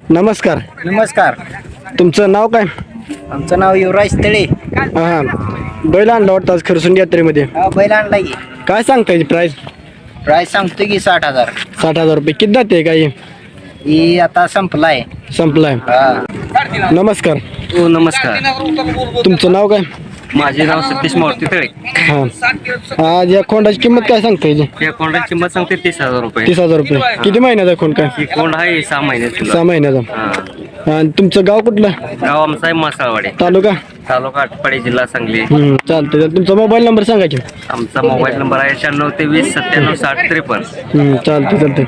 नमस्कार. नमस्कार. तुमचं नाव काय? आमचं नाव युवराज तळे. हां, बैल आणला वाटतं आज खरसुंडी यात्रेमध्ये. हा बैल आणला की. काय सांगता याची प्राईस? प्राईस सांगतो की 60,000. 60,000 रुपये. किती जाते काय ही आता संपलाय. संपलाय? हा. नमस्कार. हो नमस्कार. तुमचं नाव काय? माझे नाव सतीश मारुती तळे. हां, आज या खोंडाची किंमत काय सांगता याची? या कोंडाची किंमत सांगते 30,000 रुपये. 30,000 रुपये. किती महिन्याचा खोंड काय? ही कोंड आहे 6 महिन्याची. 6 महिन्याचा. हा. आणि तुमचं गाव कुठलं? गाव आमचा आहे मासाळवाडी, तालुका? तालुका आटपाडी, जिल्हा सांगली. चालतंय. तुमचा मोबाईल नंबर सांगा की. आमचा मोबाईल नंबर आहे 9623 97 60 53. चालतंय.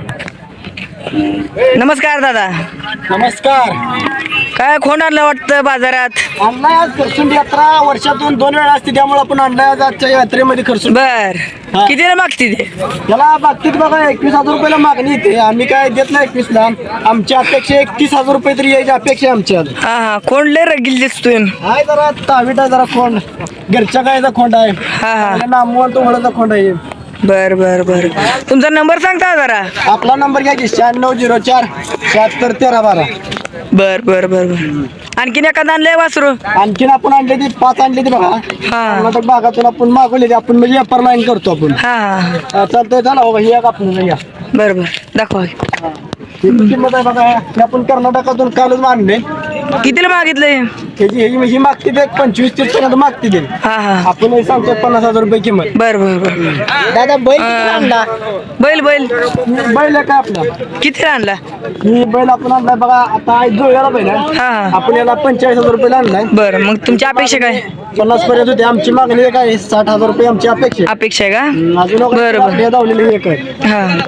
नमस्कार दादा. नमस्कार. काय खोंड आणलं वाटतं बाजारात? आणलाय आज खरसुंडी यात्रा वर्षातून 2 वेळा असते, त्यामुळे आपण आणलाय आज आजच्या यात्रेमध्ये खरसुंडी. बर. हा. कितीला मागते ते? त्याला बाबतीत बघा 21,000 रुपयाला मागणी येते. आम्ही काय देत नाही 21ला. आमची अपेक्षा 31,000 रुपये तरी यायची अपेक्षा आहे आमची आज. हा खोंड लय रगील दिसतोय. आहे जरा तावीट आहे, जरा खोंड घरच्या गायचा खोंड आहे. हा. नामवंत ओळखचा खोंड आहे. बर बर बर. तुमचा नंबर सांगता जरा. आपला नंबर घ्या की 9604 76 13 12. बर बर बर बर. आणखीन एखादं आणलंय वासरू? आणखीन आपण आणले ते 5 आणले ते बघा. हा. कर्नाटक भागातून आपण मागवले ते. आपण म्हणजे व्यापार लाईन करतो आपण. हा. चालतंय. चला बाबा, ही एक आपण घ्या. बर बर दाखवा. ही किंमत आहे बघा. हे आपण कर्नाटकातून कालच मागणे. कितीला मागितलंय? ही मागते ते 25-30 पर्यंत मागते ते. हा हा. आपण हे सांगतो 50,000 रुपये किंमत. बर बर बर. दादा बैल किती आणला? बैल बैल बैल आहे का आपला? कितीला आणला? ही बैल आपण आणलाय बघा. आता आज जुळल्याला बैल आहे. हा. आपण याला 45,000 रुपये आणलाय. बर. मग तुमची अपेक्षा काय? 50 पर्यंत होते. आमची मागणी काय आहे? 60,000 रुपये आमची अपेक्षा आहे. अपेक्षा आहे का? अजून बरं, बरं. हे धावलेली एक आहे.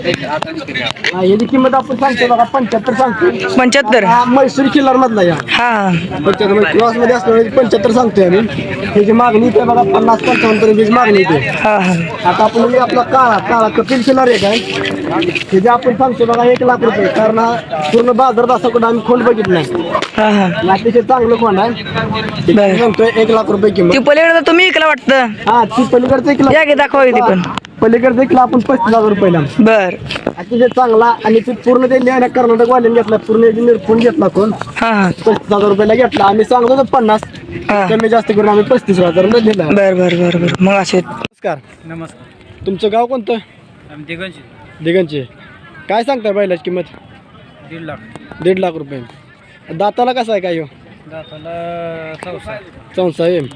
हा. याची किंमत आपण सांगतो बघा 75 सांगतो. 75. हा म्हैसूर किल्लार मधला या हा. 75 क्लास मध्ये असल्यामुळे 75 सांगतोय आम्ही. त्याची मागणी इथे बघा 50-55 पर्यंत मागणी इथे. हा हा. आता आपण म्हणजे आपला काळा कपिल शिलार एक आहे. त्याचे आपण सांगतो बघा 1,00,000 रुपये. कारण हा पूर्ण बाजारात असा कुठं आम्ही खोंड बघितलं नाही. हा हा. अतिशय चांगलं खोंड आहे. बरं. सांगतोय 1,00,000 रुपये किंमत. ती पलीकडे तुम्ही इकला वाटतं. हा, ती पलीकडचं एक या की दाखवा ती पण. पलीकडचं एक आपण 35,000 रुपयाला. बर. अतिशय चांगला. आणि ते पूर्ण ते न्याय कर्नाटक वाल्याने घेतला. पूर्ण निरपून घेतला कोण. हा हा. 35,000 रुपयाला घेतला. आम्ही सांगतो 50. हा. कमी जास्त करून आम्ही 35,000 दिला. बर बर बर बर. मग असे नमस्कार. नमस्कार. तुमचं गाव कोणतं? आम्ही दिगंचे. काय सांगताय बैलाची किंमत? 1.5 लाख. 1.5 रुपये. दाताला कसा आहे काय हो? दाताला 64. चौसा आहे.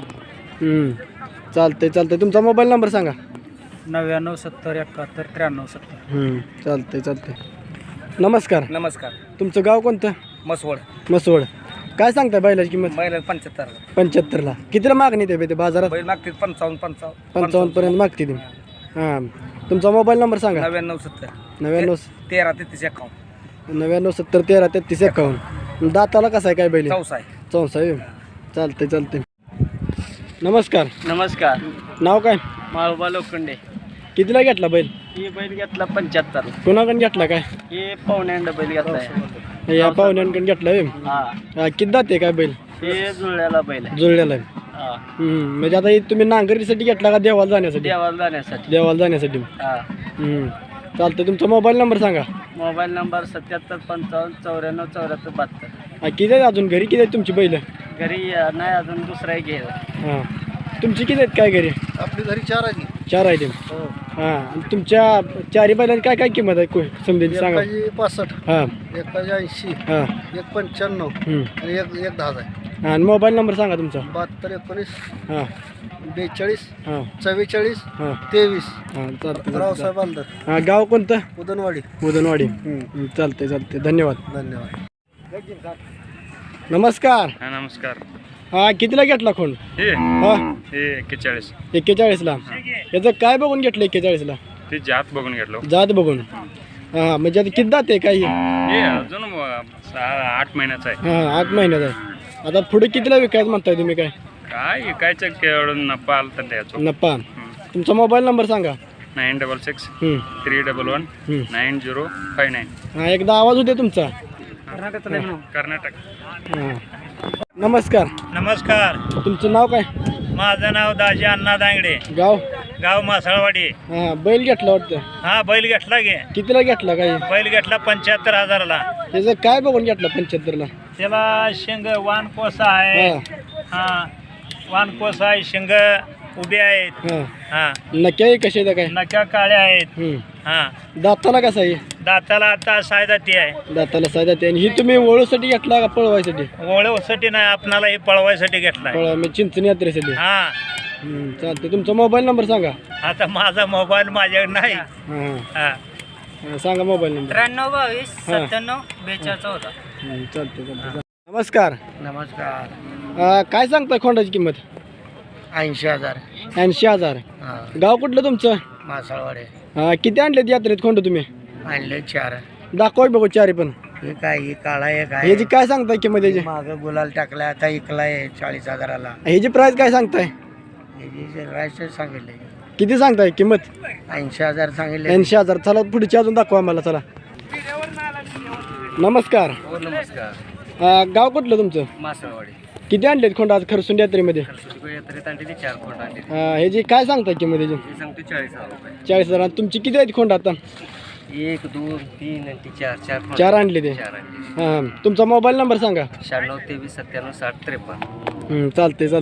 चालतंय. तुमचा मोबाईल नंबर सांगा. 99 70 71 93 70. चालतंय. नमस्कार. नमस्कार. तुमचं गाव कोणतं? मसवड. काय सांगताय बैलाची किंमत? बैल 75. 75ला. कितीला मागणी ते बाजारात? बैल मागतील 55 55 पर्यंत मागते ती. हां. तुमचा मोबाईल नंबर सांगा. 99 70 99 13 33 51. 99 70 13 33 51. दाताला कसा आहे काय बैल? चौसा आहे. चालतंय. नमस्कार. नमस्कार. नाव काय? माळोबा लोखंडे. कितीला घेतला बैल? ही बैल घेतला 75. कोणाकडून घेतला काय? हे पाहुण्यांड बैल घेतलाय. या पाहुण्यांकडून घेतला आहे. हा. किती दाते काय बैल? हे जुळल्याला बैल आहे. जुळलेला आहे. हा. म्हणजे आता हे तुम्ही नांगरीसाठी घेतला का देवाला जाण्यासाठी? देवाला जाण्यासाठी. देवाला जाण्यासाठी. हा. चालतंय. तुमचा मोबाईल नंबर सांगा. Mobile number 77 55 94 74 72. किती आहेत अजून घरी? किती आहेत तुमची बैल? घरी नाही अजून दुसरा एक घ्यायला. हां. तुमची किती आहेत काय घरी? आपली घरी 4 आहे. 4 आहेत. हां. तुमच्या 4 बैलांची काय किंमत आहे समजेल सांगा. 65. हां. 80. हां. 95 आणि एक 10 आहे. आणि मोबाईल नंबर सांगा तुमचा. 72 19 हां. 42 हां. 44 हां. 23. हां. चालतंय. रावसाहेब अंदर हां. गाव कोणतं? उदनवाडी. उदनवाडी. चालतंय. धन्यवाद. धन्यवाद. नमस्कार. नमस्कार. हां. कितीला घेतला खोंड? हे हां. 41. 41ला. याचं काय बघून घेतलं 41ला? ते जात बघून घेतलो. जात बघून. हां. म्हणजे आता किती दात आहे काय? हे अजून 8 महिन्याचा आहे. हां. 8 महिन्यात आहे. आता पुढे कितीला विकायचं म्हणताय तुम्ही काय? काय विकायचं केवढं नफा आला तर द्यायचो. नप्पा. तुमचा मोबाईल नंबर सांगा. 966 हं. 311 9059. हां. एकदा आवाज होते तुमचा. कर्नाटक. हां. नमस्कार. नमस्कार. तुमचं नाव काय? माझं नाव दाजी अण्णा दांगडे. गाव? गाव मासाळवाडी. हां. बैल घेतला वाटतं. हा बैल घेतला गे. कितीला घेतला काय? बैल घेतला 75,000ला. त्याचं काय बघून घेतलं 75ला? त्याला शिंग वानकोसा आहे. हा वानकोसा आहे, शिंग उभे आहेत. हा नक्की कसे काय? नक्या काळ्या आहेत. हा दाताला कसा आहे? दाताला आता सायदाती आहे. दाताला साधा ते. आणि ही तुम्ही ओळूसाठी घेतला का पळवायसाठी? ओळखसाठी नाही, आपणाला हे पळवायसाठी घेतलाय. मी चिंचणी यात्रेसाठी. हा चालते. तुमचा मोबाईल नंबर सांगा. आता माझा मोबाईल माझ्याकडे नाही. हा सांगा मोबाईल नंबर. 93 22 97 42 14. चालते. नमस्कार. नमस्कार. काय सांगताय खोंडाची किंमत? 80,000. 80,000. गाव कुठलं तुमचं? मासाळवाडे. किती आणलेत यात्रेत खोंड तुम्ही? आणले 4. दाखवा बघू चारी पण. हे काय ही काळा एक आहे. ह्याची काय सांगताय किंमत याची? मागं गुलाल टाकलाय, आता इकलाय 40,000ला. ह्याची प्राइस काय सांगताय? सांगितले किती सांगताय किंमत? 80,000 सांगितले. 80,000. चला पुढची अजून दाखवा आम्हाला. चला. नमस्कार. नमस्कार. गाव कुठलं तुमचं? मासळवाडी. किती आणलेत खोंड आज खरसून यात्रेमध्ये? यात्रेत आणली 4 खोंड आणली. ह्याची काय सांगताय किंमत याची? हे सांगतो 40,000 रुपये. 40,000. आणि तुमची किती आहेत खोंड आता? 1 2 3 आणि 4 4 आणले ते. 4 आणली. तुमचा मोबाईल नंबर सांगा. 96 23 97 60 53. चालते.